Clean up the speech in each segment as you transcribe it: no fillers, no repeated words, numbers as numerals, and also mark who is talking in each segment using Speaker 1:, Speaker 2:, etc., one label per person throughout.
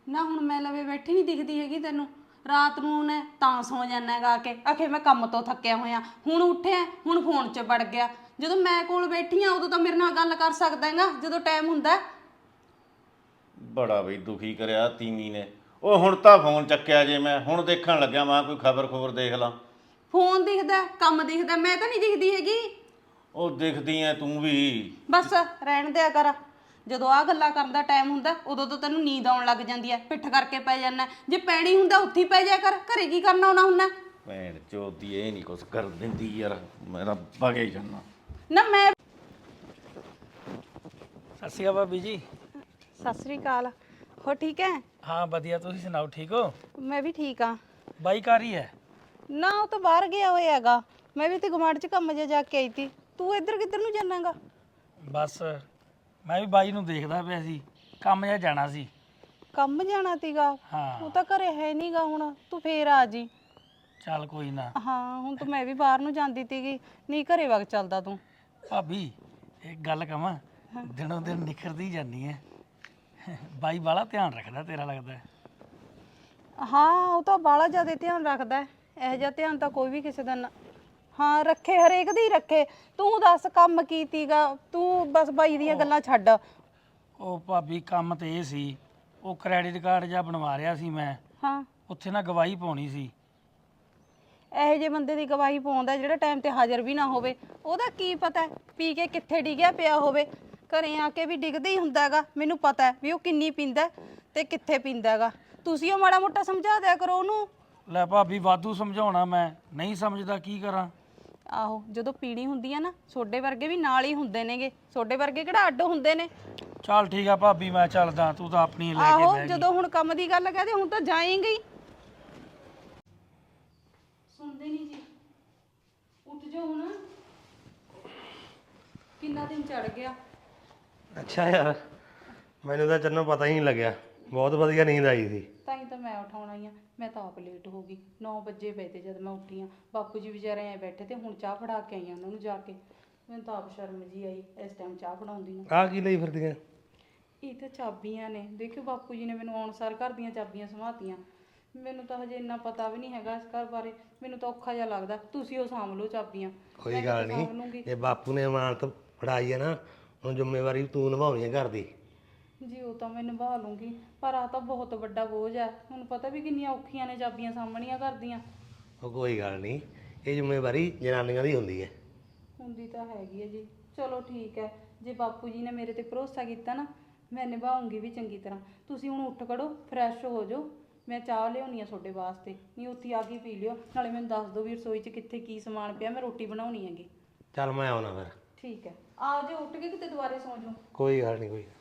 Speaker 1: ਨਾ ਹੁਣ ਮੈਂ ਲਵੇ ਬੈਠੀ ਨਹੀਂ ਦਿਖਦੀ ਹੈਗੀ ਤੈਨੂੰ। ਰਾਤ ਨੂੰ ਨੇ ਤਾਂ ਸੌ ਜਾਣਾ ਹੈਗਾ ਆ ਕੇ ਆਖੇ ਮੈਂ ਕੰਮ ਤੋਂ ਥੱਕਿਆ ਹੋਇਆ, ਹੁਣ ਉੱਠਿਆ ਹੁਣ ਫੋਨ 'ਚ ਵੜ ਗਿਆ। ਜਦੋਂ ਮੈਂ ਕੋਲ ਬੈਠੀ ਆ ਉਦੋਂ ਤਾਂ ਮੇਰੇ ਨਾਲ ਗੱਲ ਕਰ ਸਕਦਾ ਹੈਗਾ ਜਦੋਂ ਟਾਈਮ ਹੁੰਦਾ।
Speaker 2: ਬੜਾ ਬਈ ਦੁਖੀ ਕਰਿਆ ਤੀਮੀ ਨੇ। ਉਹ ਹੁਣ ਤਾਂ ਫੋਨ ਚੱਕਿਆ ਜੇ ਮੈਂ ਹੁਣ ਦੇਖਣ ਲੱਗਿਆ ਮੈਂ ਕੋਈ ਖਬਰ ਦੇਖ ਲਾਂ।
Speaker 1: ਫੋਨ ਦਿਖਦਾ ਕੰਮ ਦਿਖਦਾ, ਮੈਂ ਤਾਂ ਨਹੀਂ ਦਿਖਦੀ ਹੈਗੀ।
Speaker 2: ਉਹ ਦਿਖਦੀ ਐ ਤੂੰ ਵੀ।
Speaker 1: ਬਸ ਰਹਿਣ ਦਿਆ ਕਰ। ਜਦੋਂ ਆ ਗੱਲਾਂ ਕਰਨ ਦਾ ਟਾਈਮ ਹੁੰਦਾ ਉਦੋਂ ਤਾਂ ਤੈਨੂੰ ਨੀਂਦ ਆਉਣ ਲੱਗ ਜਾਂਦੀ ਹੈ, ਪਿੱਠ ਕਰਕੇ ਪੈ ਜਾਂਦਾ। ਜੇ ਪੈਣੀ ਹੁੰਦਾ ਉੱਥੇ ਹੀ ਪੈ ਜਾ ਕਰ, ਘਰੇ ਕੀ ਕਰਨਾ ਆਉਣਾ ਹੁੰਦਾ।
Speaker 2: ਭੈਣ ਚੋਦੀ ਇਹ ਨਹੀਂ ਕੁਛ ਕਰ ਦਿੰਦੀ ਯਾਰ, ਮੈਂ ਤਾਂ ਭਗੇ ਜਾਨਾ।
Speaker 1: ਨਾ ਮੈਂ
Speaker 3: ਸਤਿ ਸ਼੍ਰੀ ਅਕਾਲ ਭਾਬੀ ਜੀ।
Speaker 1: ਸਤਿ ਸ੍ਰੀ ਅਕਾਲ। ਹੋ ਠੀਕ ਹੈ?
Speaker 3: ਹਾਂ ਵਧੀਆ, ਤੁਸੀਂ ਸੁਣਾਓ ਠੀਕ ਹੋ?
Speaker 1: ਮੈਂ ਵੀ ਠੀਕ ਆ।
Speaker 3: ਬਾਈ ਘਰ ਹੀ ਹੈ?
Speaker 1: ਨਾ ਉਹ ਤਾਂ ਬਾਹਰ ਗਿਆ ਹੋਇਆ ਹੈਗਾ, ਮੈਂ ਵੀ ਤੇ ਗੁਆਂਢ 'ਚ ਕੰਮ ਜਿਹਾ ਜਾ ਕੇ ਆਈ ਤੀ। ਤੂੰ ਇੱਧਰ ਕਿੱਧਰ ਨੂੰ ਜਾਣਾਗਾ?
Speaker 3: ਬਸ ਮੈਂ ਵੀ ਬਾਈ ਨੂੰ ਦੇਖਦਾ ਪਿਆ ਸੀ, ਕੰਮ ਜਿਹਾ ਜਾਣਾ ਸੀ।
Speaker 1: ਕੰਮ ਜਾਣਾ ਤੀਗਾ?
Speaker 3: ਹਾਂ
Speaker 1: ਉਹ ਤਾਂ ਘਰੇ ਹੈ ਨਹੀਂਗਾ, ਹੁਣ ਤੂੰ ਫੇਰ ਆ ਜੀ।
Speaker 3: ਚੱਲ ਕੋਈ ਨਾ।
Speaker 1: ਹਾਂ ਹੁਣ ਤਾਂ ਮੈਂ ਵੀ ਬਾਹਰ ਨੂੰ ਜਾਂਦੀ ਤੀਗੀ, ਨਹੀਂ ਘਰੇ ਵਗ ਚੱਲਦਾ ਤੂੰ।
Speaker 3: ਭਾਬੀ ਇੱਕ ਗੱਲ ਕਹਾਂ, ਦਿਨੋਂ ਦਿਨ ਨਿਖਰਦੀ ਜਾਂਦੀ ਹੈ। ਬਾਈ ਬਾਲਾ ਧਿਆਨ ਰੱਖਦਾ ਤੇਰਾ ਲੱਗਦਾ।
Speaker 1: ਹਾਂ ਉਹ ਤਾਂ ਬਾਹਲਾ ਜ਼ਿਆਦਾ ਧਿਆਨ ਰੱਖਦਾ, ਇਹੋ ਜਿਹਾ ਧਿਆਨ ਤਾਂ ਕੋਈ ਵੀ ਕਿਸੇ ਦਾ ਨਾ ਹਾਂ ਰੱਖੇ, ਹਰੇਕ ਦੀ ਰੱਖੇ। ਤੂੰ ਦੱਸ ਕੰਮ ਕੀ ਤੀਗਾ, ਤੂੰ ਬਸ ਬਾਈ ਦੀਆਂ ਗੱਲਾਂ ਛੱਡ।
Speaker 3: ਉਹ ਭਾਬੀ ਕੰਮ ਤੇ ਇਹ ਸੀ, ਉਹ ਕ੍ਰੈਡਿਟ ਕਾਰਡ ਜਿਹਾ ਬਣਵਾ ਰਿਹਾ ਸੀ ਮੈਂ।
Speaker 1: ਹਾਂ
Speaker 3: ਉੱਥੇ ਨਾ ਗਵਾਹੀ ਪਾਉਣੀ ਸੀ।
Speaker 1: ਇਹੋ ਜਿਹੇ ਬੰਦੇ ਦੀ ਗਵਾਹੀ ਪਾਉਂਦਾ ਜਿਹੜਾ ਟਾਈਮ ਤੇ ਹਾਜ਼ਰ ਵੀ ਨਾ ਹੋਵੇ। ਉਹਦਾ ਕੀ ਪਤਾ ਪੀ ਕੇ ਕਿੱਥੇ ਡਿੱਗਿਆ ਪਿਆ ਹੋਵੇ, ਘਰੇ ਆ ਕੇ ਵੀ ਡਿੱਗਦਾ ਹੀ ਹੁੰਦਾ ਹੈਗਾ। ਮੈਨੂੰ ਪਤਾ ਵੀ ਉਹ ਕਿੰਨੀ ਪੀਂਦਾ ਤੇ ਕਿੱਥੇ ਪੀਂਦਾ ਹੈਗਾ। ਤੁਸੀਂ ਉਹ ਮਾੜਾ ਮੋਟਾ ਸਮਝਾ ਦਿਆ ਕਰੋ ਉਹਨੂੰ।
Speaker 3: ਲੈ ਭਾਬੀ ਵਾਧੂ ਸਮਝਾਉਣਾ, ਮੈਂ ਨਹੀਂ ਸਮਝਦਾ, ਕੀ ਕਰਾਂ।
Speaker 1: ਆਹੋ ਜਦੋਂ ਪੀਣੀ ਹੁੰਦੀ ਆ ਨਾ, ਸੋਡੇ ਵਰਗੇ ਵੀ ਨਾਲ ਹੀ ਹੁੰਦੇ ਨੇਗੇ, ਸੋਡੇ ਵਰਗੇ ਕਿਹੜਾ ਅੱਡ ਹੁੰਦੇ ਨੇ।
Speaker 3: ਚੱਲ ਠੀਕ ਆ ਭਾਬੀ, ਮੈਂ ਚੱਲਦਾ, ਤੂੰ ਤਾਂ ਆਪਣੀ ਲੈ ਕੇ
Speaker 1: ਆਹੋ
Speaker 3: ਬਹਿ ਗਈ।
Speaker 1: ਜਦੋਂ ਹੁਣ ਕੰਮ ਦੀ ਗੱਲ ਕਹਦੇ ਹੁਣ ਤਾਂ ਜਾਏਂਗੇ ਹੀ। ਸੁਣਦੇ ਨਹੀਂ ਜੀ, ਉੱਠ ਜਾਓ ਹੁਣ, ਕਿੰਨਾ ਦਿਨ ਚੜ ਗਿਆ।
Speaker 4: ਅੱਛਾ ਯਾਰ, ਮੈਨੂੰ ਤਾਂ ਚੰਨੋਂ ਪਤਾ ਹੀ ਨਹੀਂ ਲੱਗਿਆ, ਬਹੁਤ ਵਧੀਆ ਨੀਂਦ ਆਈ ਸੀ।
Speaker 1: ਤਾਂ ਹੀ ਤਾਂ ਮੈਂ ਉਠਾਉਣਾ ਹੀ ਆ। ਮੈਂ ਤਾਂ ਆਪ ਲੇਟ ਹੋ ਗਈ, 9 ਵਜੇ ਪਏ ਤੇ ਜਦ ਮੈਂ ਉੱਠੀ ਆ। ਬਾਪੂ ਜੀ ਵਿਚਾਰੇ ਐ ਬੈਠੇ ਤੇ ਹੁਣ ਚਾਹ ਫੜਾ ਕੇ ਆਈ ਆ ਉਹਨਾਂ ਨੂੰ ਜਾ ਕੇ। ਮੈਨੂੰ ਤਾਂ ਆਪ ਸ਼ਰਮ ਜੀ ਆਈ ਇਸ ਟਾਈਮ ਚਾਹ ਫੜਾਉਂਦੀ ਨੂੰ।
Speaker 4: ਆਹ ਕੀ ਲਈ ਫਿਰਦੀਆਂ?
Speaker 1: ਇਹ ਤਾਂ ਚਾਬੀਆਂ ਨੇ, ਦੇਖਿਓ ਬਾਪੂ ਜੀ ਨੇ ਮੈਨੂੰ ਆਉਣ ਸਾਰ ਘਰ ਦੀਆਂ ਚਾਬੀਆਂ ਸੰਭਾਤੀਆਂ। ਮੈਨੂੰ ਤਾਂ ਹਜੇ ਇੰਨਾ ਪਤਾ ਵੀ ਨਹੀਂ ਹੈਗਾ ਇਸ ਘਰ ਬਾਰੇ, ਮੈਨੂੰ ਤਾਂ ਔਖਾ ਜਿਹਾ ਲੱਗਦਾ। ਤੁਸੀਂ ਉਹ ਸਾਂਭ ਲਓ ਚਾਬੀਆਂ,
Speaker 4: ਕੋਈ ਗੱਲ ਨਹੀਂ, ਜੇ ਬਾਪੂ ਨੇ ਇਮਾਨਤ ਫੜਾਈ ਹੈ ਨਾ, ਹੁਣ ਜ਼ਿੰਮੇਵਾਰੀ ਤੂੰ ਨਿਭਾਉਣੀ ਹੈ ਘਰ ਦੀ।
Speaker 1: ਜੀ ਉਹ ਤਾਂ ਮੈਂ ਨਿਭਾ ਲੂੰਗੀ, ਪਰ ਆ ਤਾਂ ਬਹੁਤ ਵੱਡਾ ਬੋਝ ਹੈ। ਹੁਣ ਪਤਾ ਵੀ ਕਿੰਨੀਆਂ ਔਖੀਆਂ ਨੇ ਚਾਬੀਆਂ ਸਾਂਭਣੀਆਂ ਘਰ ਦੀਆਂ।
Speaker 4: ਉਹ ਕੋਈ ਗੱਲ ਨਹੀਂ, ਇਹ ਜ਼ਿੰਮੇਵਾਰੀ ਜਨਾਨੀਆਂ ਦੀ ਹੁੰਦੀ ਹੈ।
Speaker 1: ਹੁੰਦੀ ਤਾਂ ਹੈਗੀ ਹੈ ਜੀ। ਚਲੋ ਠੀਕ ਹੈ, ਜੇ ਬਾਪੂ ਜੀ ਨੇ ਮੇਰੇ ਤੇ ਭਰੋਸਾ ਕੀਤਾ ਨਾ, ਮੈਂ ਨਿਭਾਉਂਗੀ ਵੀ ਚੰਗੀ ਤਰ੍ਹਾਂ। ਤੁਸੀਂ ਹੁਣ ਉੱਠ ਖੜੋ, ਫਰੈਸ਼ ਹੋ ਜਾਓ, ਮੈਂ ਚਾਹ ਲਿਆਉਣੀ ਆ ਤੁਹਾਡੇ ਵਾਸਤੇ। ਨਹੀਂ ਉੱਥੇ ਆ ਕੇ ਪੀ ਲਿਓ, ਨਾਲੇ ਮੈਨੂੰ ਦੱਸ ਦਿਓ ਵੀ ਰਸੋਈ 'ਚ ਕਿੱਥੇ ਕੀ ਸਮਾਨ ਪਿਆ, ਮੈਂ ਰੋਟੀ ਬਣਾਉਣੀ ਹੈਗੀ।
Speaker 4: ਚੱਲ ਮੈਂ ਆਉਣਾ ਫਿਰ।
Speaker 1: ਠੀਕ ਹੈ, ਆ ਜਾਓ ਉੱਠ ਕੇ, ਕਿਤੇ ਦੁਬਾਰੇ ਸੌਂ ਜਾਓ।
Speaker 4: ਕੋਈ ਗੱਲ ਨਹੀਂ, ਕੋਈ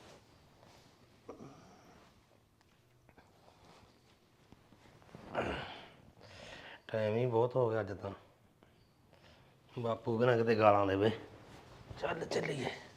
Speaker 4: ਟਾਈਮ ਹੀ ਬਹੁਤ ਹੋ ਗਿਆ ਅੱਜ ਤਾਂ। ਬਾਪੂ ਬਿਨਾਂ ਕਿਤੇ ਗਾਲਾਂ ਦੇਵੇ। ਚੱਲ ਚੱਲੀਏ।